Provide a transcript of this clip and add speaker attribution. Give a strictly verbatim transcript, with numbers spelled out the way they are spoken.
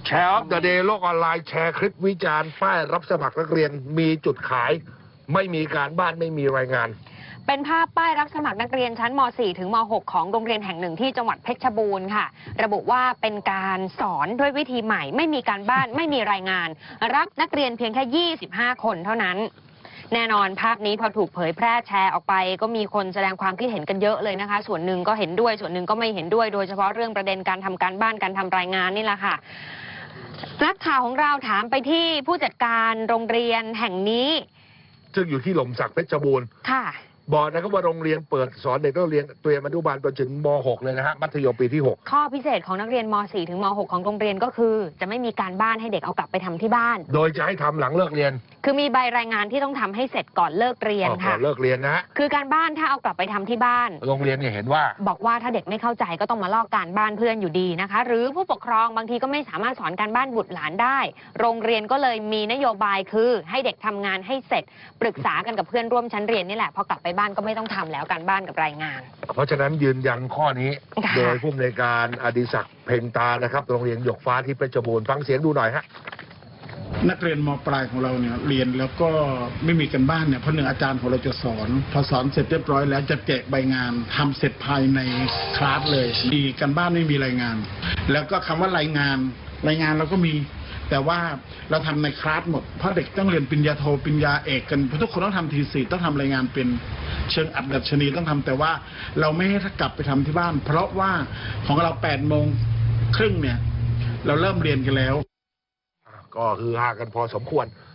Speaker 1: แชร์ออฟเดอะเดย์โลกออนไลน์แชร์คลิปวิจารณ์ป้ายรับสมัครนักเรียนมีจุดขายไม่มีการบ้านไม่มีรายงาน
Speaker 2: เป็นภาพป้ายรับสมัครนักเรียนชั้นม .สี่ ถึงม .หก ของโรงเรียนแห่งหนึ่งที่จังหวัดเพชรบูรณ์ค่ะระบุว่าเป็นการสอนด้วยวิธีใหม่ไม่มีการบ้านไม่มีรายงานรับนักเรียนเพียงแค่ยี่สิบห้าคนเท่านั้นแน่นอนภาพนี้พอถูกเผยแพร่แชร์ออกไปก็มีคนแสดงความคิดเห็นกันเยอะเลยนะคะส่วนหนึ่งก็เห็นด้วยส่วนหนึ่งก็ไม่เห็นด้วยโดยเฉพาะเรื่องประเด็นการทำการบ้านการทำรายงานนี่แหละค่ะนักข่าวของเราถามไปที่ผู้จัดการโรงเรียนแห่งนี้
Speaker 1: ซึ่งอยู่ที่หล่มสักเพชรบูรณ์
Speaker 2: ค่ะ
Speaker 1: บอกนะครับว่าโรงเรียนเปิดสอนเด็กนักเรียนเตรียมอนุบาลไปถึงม .หก เลยนะฮะมัธยมปีที่หก
Speaker 2: ข้อพิเศษของนักเรียนม .สี่ ถึงม .หก ของโรงเรียนก็คือจะไม่มีการบ้านให้เด็กเอากลับไปทำที่บ้าน
Speaker 1: โดยจะให้ทำหลังเลิกเรียน
Speaker 2: คือมีใบรายงานที่ต้องทำให้เสร็จก่อนเลิกเรียนค่ะ
Speaker 1: ก่อนเลิกเรียนนะ
Speaker 2: คือการบ้านถ้าเอากลับไปทำที่บ้าน
Speaker 1: โรงเรียนเนี่ยเห็นว่า
Speaker 2: บอกว่าถ้าเด็กไม่เข้าใจก็ต้องมาลอกการบ้านเพื่อนอยู่ดีนะคะหรือผู้ปกครองบางทีก็ไม่สามารถสอนการบ้านบุตรหลานได้โรงเรียนก็เลยมีนโยบายคือให้เด็กทำงานให้เสร็จปรึกษากันกับเพื่อนร่วมชั้นเรียนนี่แหละพอกลับไปบ้านก็ไม่ต้องทำแล้วการบ้านกับรายงาน
Speaker 1: เพราะฉะนั้นยืนยันข้อนี้โดยผู้อำนวยการอดิศักดิ์เพ็งตานะครับโรงเรียนหยกฟ้าที่เพชรบูรณ์ฟังเสียงดูหน่อยฮะ
Speaker 3: นักเรียนม.ปลายของเราเนี่ยเรียนแล้วก็ไม่มีกันบ้านเนี่ยเพราะหนึ่งอาจารย์ของเราจะสอนพอสอนเสร็จเรียบร้อยแล้วจะแจกใบงานทำเสร็จภายในคลาสเลยมีกันบ้านไม่มีรายงาน แล้วก็คำว่ารายงานรายงานเราก็มีแต่ว่าเราทำในคลาสหมดเพราะเด็กต้องเรียนปริญญาโทปริญญาเอกกันเพราะทุกคนต้องทำทีสี่ต้องทำรายงานเป็นเชิงอัดดัชนีต้องทำแต่ว่าเราไม่ให้กลับไปทำที่บ้านเพราะว่าของเราแปดโมงครึ่งเนี่ยเราเริ่มเรียนกันแล้ว
Speaker 1: ก็คือฮากันพอสมควร